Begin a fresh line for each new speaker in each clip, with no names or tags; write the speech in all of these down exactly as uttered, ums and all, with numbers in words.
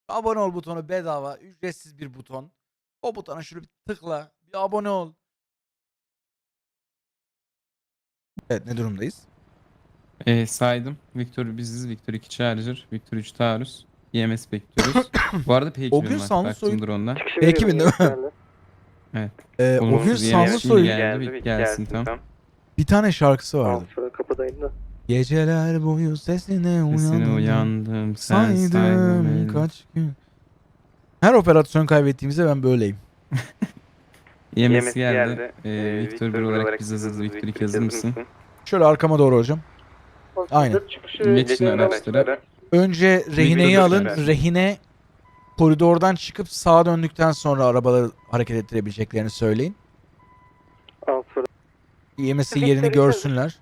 Abone ol butonu bedava, ücretsiz bir buton. O butona şöyle bir tıkla, bir abone ol. Evet, ne durumdayız?
E, saydım. Victor biziz. Victor iki Charger. Victor üç Taurus. E M S bekliyoruz. Bu arada P
O
iki bin
gün
var.
Sanlı Soy'un...
Baktım drone'dan.
Çıkışı
P iki bin
veriyorum,
değil mi?
geldi.
Evet.
Ee, o gün
Olumsuz E M
Sanlı
S şimdi
Soy'un
geldi. Vic gelsin tam.
bir tane şarkısı
Al
vardı.
şurada kapıdayım da.
Geceler boyu sesine
Sesine
uyandım.
uyandım. Sen
Saydım
saydım.
kaç gün. Her operasyon kaybettiğimizde ben böyleyim.
E M S geldi. E, Victor bir olarak biz hazırız. Victor iki hazır mısın?
Şöyle arkama doğru hocam. Aynen.
Hazır çıkışı
Geçin
veriyorum.
araçlara.
Önce rehineyi
Victor
alın.
dışarı.
Rehine koridordan çıkıp sağa döndükten sonra arabaları hareket ettirebileceklerini söyleyin.
Al şurada.
E M S yerini görsünler.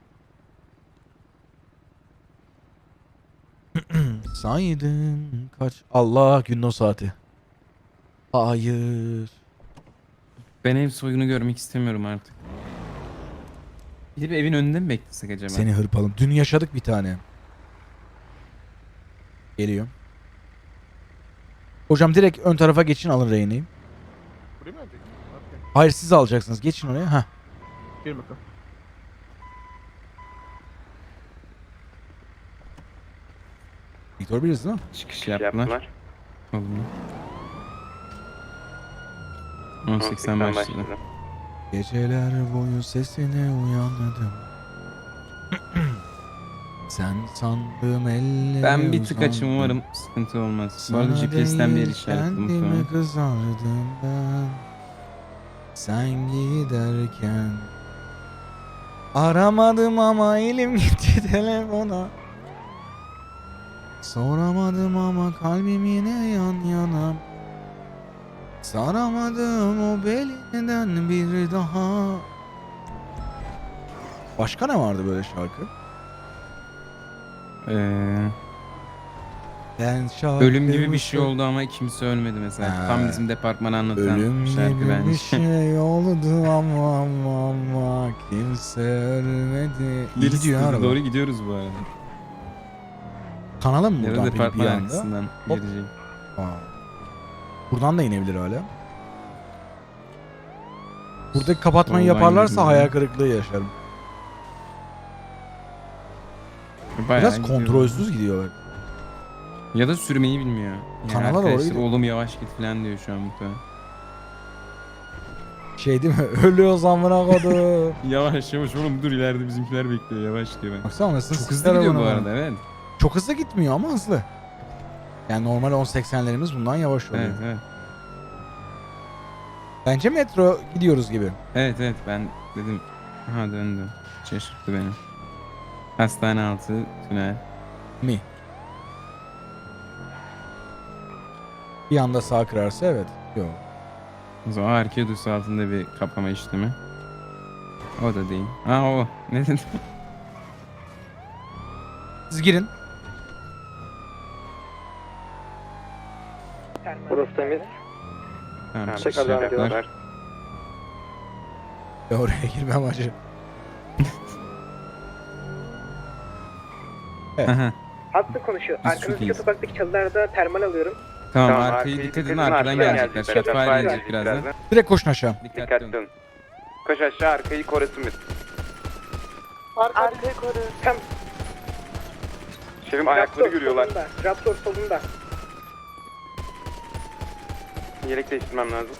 Saydım kaç... Allah, günün o saati. Hayır.
Ben ev soyunu görmek istemiyorum artık. Gidip evin önünde mi beklesek acaba?
Seni hırpalım. Dün yaşadık bir tane. Geliyor. Hocam direkt ön tarafa geçin, alın rehineyi.
Buraya mı ölecek? Okey.
Hayır, siz alacaksınız. Geçin oraya. Heh.
Gelin bakalım.
Victor biliriz değil mi?
Çıkış yaptılar. Oldu. on seksen başladı.
Geceler boyu sesine uyandım. Sen sandığım elleri
Ben bir tık
uzandım.
açım, umarım sıkıntı olmaz. Bu arada
Sana
G P S'ten bir yer
değil,
işaretledim
kendime
muhtemelen.
kızardım ben. Sen giderken aramadım ama elim gitti telefona. Soramadım ama kalbim yine yan yana. Saramadım o belinden bir daha. Başka ne vardı böyle şarkı?
Ee,
Ben şarkı
ölüm gibi bir şey oldu ama kimse ölmedi mesela.
Ha.
Tam bizim departmanı anlatan
Ölüm
şarkı
gibi
bence.
bir şey oldu ama ama ama kimse ölmedi. İyi
Gerisi
gidiyor araba.
doğru gidiyoruz bu arada.
Kanala mı
Ya da
buradan peki bir
departman
anda?
arkasından
Hop.
gelecek.
Aa. Buradan da inebilir hala. Buradaki kapatmayı
Soldan
yaparlarsa
gidiyorum.
hayal kırıklığı yaşarım.
Bayağı
Biraz
gidiyor.
kontrolsüz gidiyorlar.
Ya da sürmeyi bilmiyor. Yani
Kanala doğru
arkadaşlar
gidiyor.
oğlum yavaş git falan diyor şu an muhtemelen.
Şey değil mi? Ölüyoruz amına kodu.
Yavaş yavaş oğlum dur, ileride bizimkiler bekliyor, yavaş diyor ben.
Baksana nasıl
Çok hızlı gidiyor bu arada, evet.
Çok hızlı gitmiyor ama hızlı. Yani normal on seksenlerimiz bundan yavaş oluyor.
Evet evet.
Bence metro gidiyoruz gibi.
Evet evet, ben dedim. Ha, döndü. Şaşırttı beni. Hastane altı tünel.
Mi? Bir anda sağ kırarsa evet. Yok.
O zaman Arkedus altında bir kapama işlemi. O da değil. Ha o. Ne dedim?
Siz girin.
Burası temiz.
Tamam,
Ha,
çıkış
tekrardan
yaptılar.
diyorlar.
Ya oraya girmem acı.
Aha,
Hattı konuşuyor.
Biz
Arkanızdaki
çok iyiyiz.
sokaktaki çalılarda termal alıyorum.
tamam,
Tamam,
arkayı dikkat edin, arkadan gelecekler. Shotfire
Shotfire
gelecek birazdan.
Direkt koşun aşağı.
Dikkatli olun.
olun. Koş aşağı, arkayı korusun biz.
Arkayı koru. Tam
Şefim ayakları görüyorlar.
solunda. Raptor solunda.
Yelek değiştirmem lazım.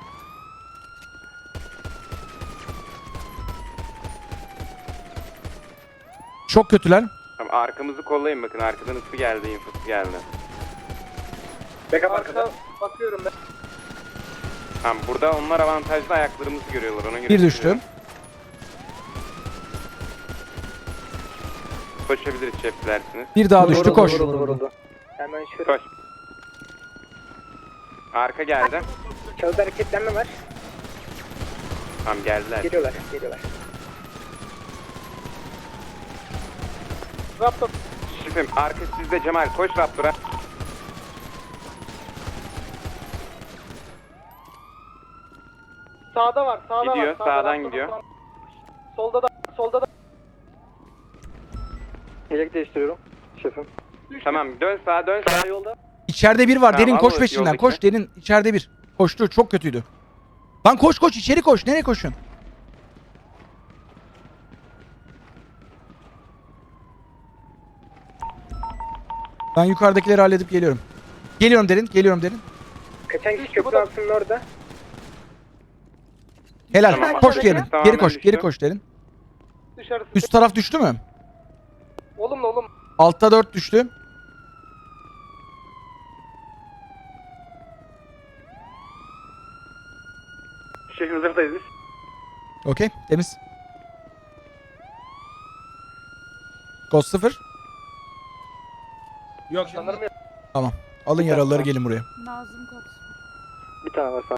Çok kötüler.
Tamam, arkamızı kollayın, bakın arkadan ısı geldi, infosu geldi.
Backup arkada. Bakıyorum ben.
Tamam, burada onlar avantajlı, ayaklarımızı görüyorlar, ona göre.
Bir düştü.
Koşabiliriz şef dilersiniz.
Bir daha düştü, koş.
Vuruldu, vuruldu. Hemen şöyle.
Koş. Arka geldi.
Çalıda hareketlenme var.
Tamam, geldiler.
Geliyorlar, geliyorlar. Raptor.
Şefim, arka sizde Cemal, koş Raptor'a.
Sağda var, sağda
Gidiyor,
var. Sağda
sağdan
Raptor
gidiyor.
var. Solda da, solda da.
Yelek değiştiriyorum şefim. Tamam, dön sağa, dön sağa.
Yolda.
İçeride bir var.
Tamam,
Derin
al
koş
o
peşinden.
yoldaki.
Koş Derin. İçeride bir. Koştu. Çok kötüydü. Lan koş koş içeri koş. Nereye koşuyorsun? Ben yukarıdakileri halledip geliyorum. Geliyorum Derin. Geliyorum Derin.
Kaçan kişi köprü altının orada.
Helal.
Tamam,
koş
aşağıdaki
geri.
tamamen
Geri koş.
düştü.
Geri koş Derin.
Dışarısı.
Üst taraf düştü mü?
Olumlu olumlu.
Altta dört düştü.
Şehrin hazırdayız biz.
Okey. Temiz. Ghost sıfır.
Yok
Sanırım yok.
Tamam. Alın yaralıları gelin buraya.
Nazım Kod.
Bir tane var sağ.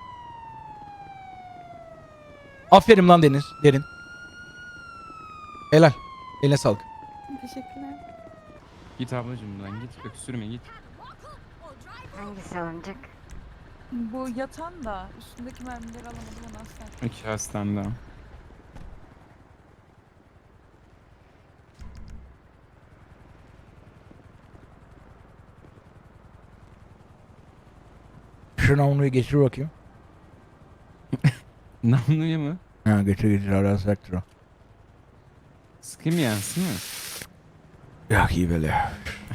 Aferin lan Deniz. Derin. Helal. Eline sağlık.
Teşekkürler.
Git ablacım lan git öksürme git.
Hangisi alınacak?
Bu yatan da üstündeki mermileri alamadım onu asla.
İki hastam daha.
Şu namluyu getir bakayım.
Namluya mı?
Ha getir getir arasaktır o.
Sıkayım yansın mı?
Ya iyi böyle.